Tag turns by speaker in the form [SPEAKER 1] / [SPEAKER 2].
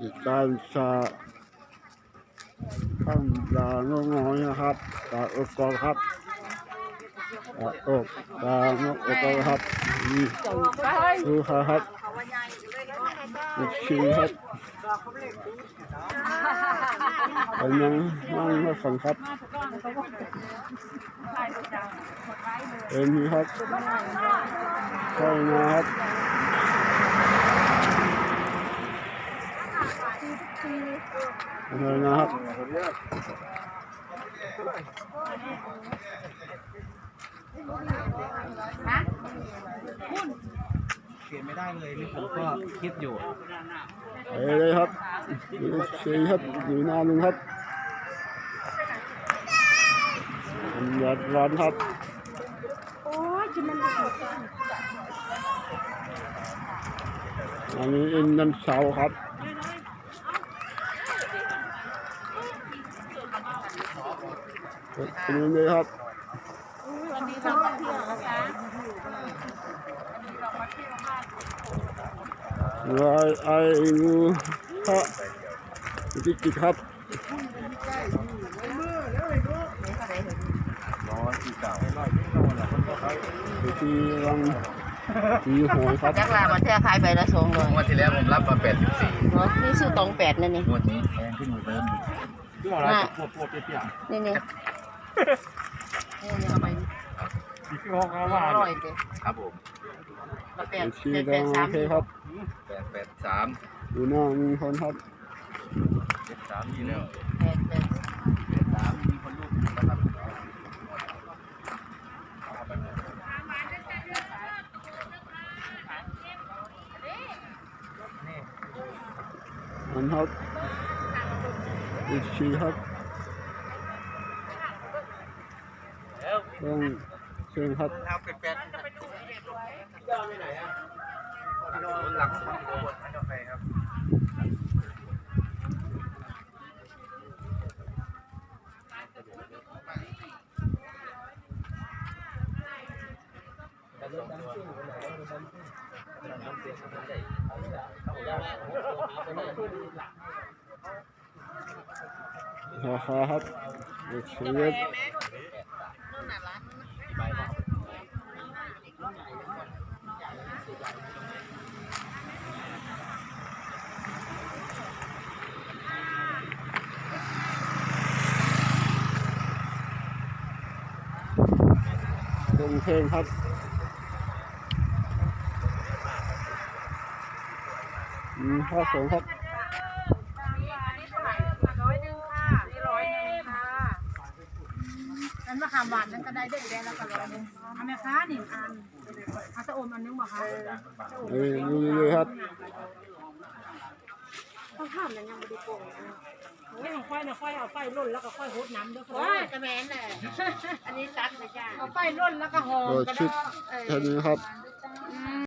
[SPEAKER 1] ติดการชาข้างดาน้องๆนะครับตาอกกอครับตาอกตาน้องอกครับนี่ดูครับดูชีครับเป็นยังนั่งมาฟังครับเป็นนี่ครับใช่นะครับเลยนะครับ
[SPEAKER 2] เปลี่ยนไม่ได้เลยนี่ผมก็คิดอยู่
[SPEAKER 1] เลยครับดูชีครับดูหน้าลุงครับหยาดร้อนครับอันนี้อินดันเสาครับเป็นยังไงครับ
[SPEAKER 3] วันนี้เรามาเที่ยวนะคะ
[SPEAKER 1] ไอ้งูครับจิกครับที่รังที่หอยครับ
[SPEAKER 3] จักรลามาเที่ยวขายใบละ200
[SPEAKER 2] งวดที่แล้วผมรับมา84
[SPEAKER 3] เนาะนี่ซื้อ28นั่นนี่
[SPEAKER 2] งวดนี้แพงขึ้นกว่าเดิม
[SPEAKER 3] นี่นี่เอาไป100เด้อ
[SPEAKER 2] ครับผม
[SPEAKER 1] ที่รังโอเคครับ
[SPEAKER 2] 883
[SPEAKER 1] ดูหน้ามีคนครับ
[SPEAKER 2] 73นี่แล้ว
[SPEAKER 3] 8
[SPEAKER 2] 83มีคนลูกนะครับ
[SPEAKER 1] มันครับดูชีครับต้องเชิญครับ
[SPEAKER 2] เอาเป็ดหลักขวดกาแฟครับ
[SPEAKER 1] ราคาครับดูชีครับเพลงครับข้าวสงครับ
[SPEAKER 4] อันมะขามหวานนั่นก็ได้เด็กแดงแล้วก็100นึงเอาไหมคะ1 อันเอาสะอมอันนึงบ่คะ
[SPEAKER 1] ดูเลยครับ
[SPEAKER 4] ต้องถามนั้นยังไม่ได้โกงโอ้ยของค่อยนะค่อยเอาไฟร่นแล้วก็ค่อยโหดน้ำด้วยค่ะกระแมนแหละอันนี้ซัดเลยจ้าเอาไฟร่นแล้วก็หอมก็ได้
[SPEAKER 1] แค่นี้ครับ